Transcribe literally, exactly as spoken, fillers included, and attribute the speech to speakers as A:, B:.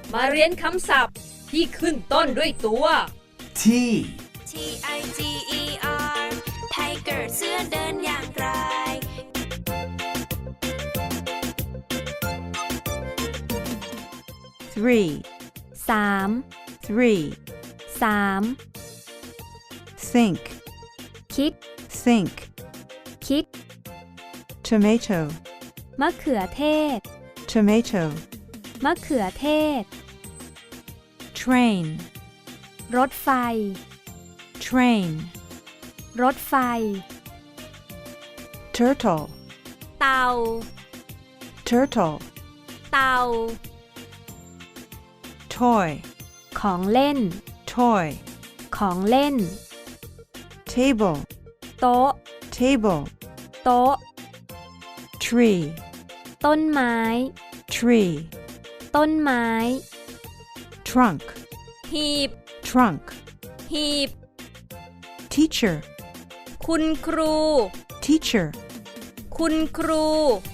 A: มาเรียนคำศัพท์ที่ขึ้นต้นด้วยตัว
B: T
C: T I G E R Tiger เสือเดินอย่างไร
D: three
E: สาม
D: three
E: สาม
D: think
E: คิด
D: think
E: คิด
D: tomato
E: มะเขือเทศ
D: tomato
E: มะเขือเทศ
D: train
E: รถไฟ
D: train
E: รถไฟ
D: turtle
E: เต่า
D: turtle
E: เต่า
D: toy
E: ของเล่น
D: toy
E: ของเล่น
D: table
E: โต๊ะ
D: table
E: โต๊ะ
D: tree
E: ต้นไม้
D: tree
E: ต้นไม้
D: trunk
A: หีบ
D: trunk
A: หีบ
D: teacher
A: คุณครู
D: teacher
A: คุณครู